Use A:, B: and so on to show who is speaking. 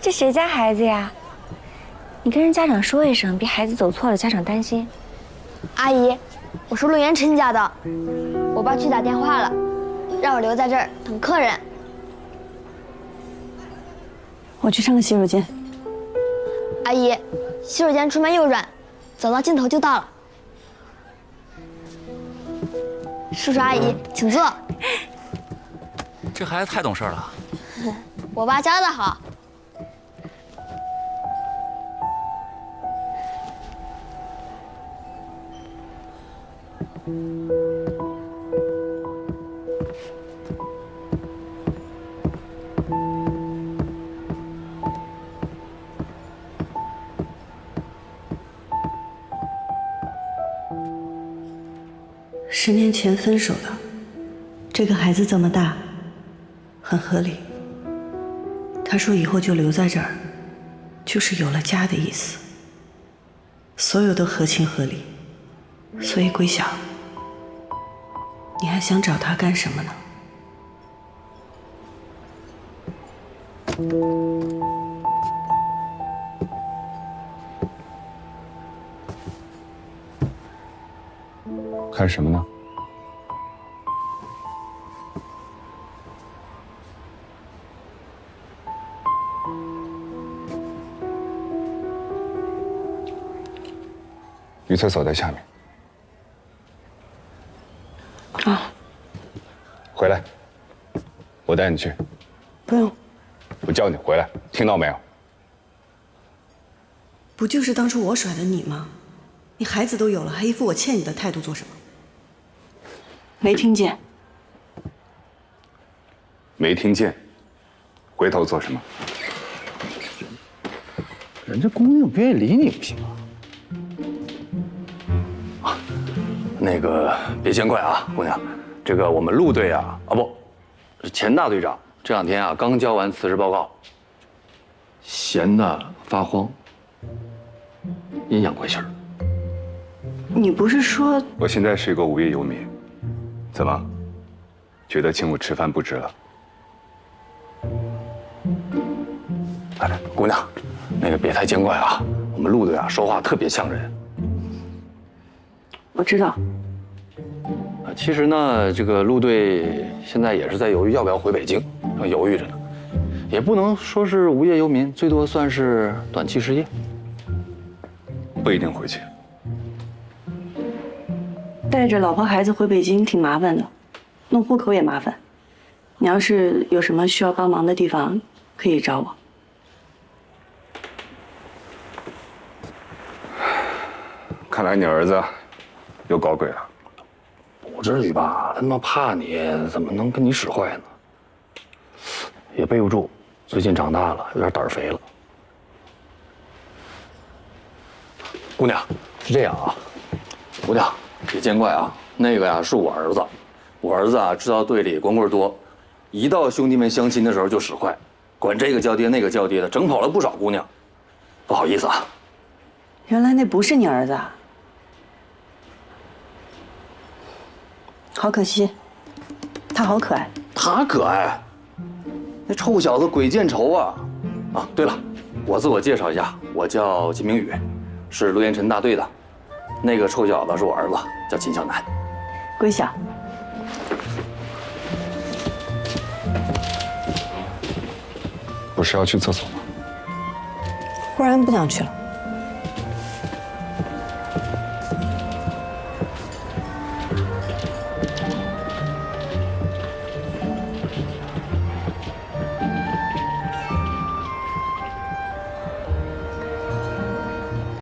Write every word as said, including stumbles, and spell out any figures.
A: 这谁家孩子呀？你跟人家长说一声，别孩子走错了，家长担心。
B: 阿姨，我是陆元琛家的，我爸去打电话了，让我留在这儿等客人。
C: 我去上个洗手间。
B: 阿姨，洗手间出门右转，走到尽头就到了。叔叔阿姨，请坐。
D: 这孩子太懂事了。
B: 我爸教的好。
C: 十年前分手的，这个孩子这么大，很合理。他说以后就留在这儿，就是有了家的意思。所有都合情合理，所以桂晓，你还想找他干什么呢？
E: 看什么呢？女厕所在下面。
C: 啊，
E: 回来，我带你去。
C: 不用。
E: 我叫你回来，听到没有？
C: 不就是当初我甩的你吗？你孩子都有了，还一副我欠你的态度做什么？没听见？
E: 没听见？回头做什么？
F: 人家姑娘不愿意理你不行啊。
D: 那个别见怪啊，姑娘，这个我们陆队啊，啊不，是钱大队长这两天啊刚交完辞职报告，闲得发慌，阴阳怪气儿。
C: 你不是说
E: 我现在是一个无业游民，怎么，觉得请我吃饭不值了？
D: 哎，姑娘，那个别太见怪啊，我们陆队啊说话特别呛人。
C: 我知道。
D: 啊，其实呢，这个陆队现在也是在犹豫要不要回北京，正犹豫着呢，也不能说是无业游民，最多算是短期失业。
E: 不一定回去。
C: 带着老婆孩子回北京挺麻烦的，弄户口也麻烦。你要是有什么需要帮忙的地方，可以找我。
E: 看来你儿子又搞鬼了。
D: 不至于吧？他他妈怕你，怎么能跟你使坏呢？也背不住，最近长大了，有点胆儿肥了。姑娘，是这样啊，姑娘别见怪啊，那个呀是我儿子，我儿子啊知道队里光棍多，一到兄弟们相亲的时候就使坏，管这个叫爹那个叫爹的，整跑了不少姑娘，不好意思啊。
C: 原来那不是你儿子啊。好可惜，他好可爱。
D: 他可爱，那臭小子鬼见愁啊！啊，对了，我自我介绍一下，我叫金明宇，是陆延辰大队的。那个臭小子是我儿子，叫秦向南。
C: 桂晓，
E: 不是要去厕所吗？
C: 忽然不想去了。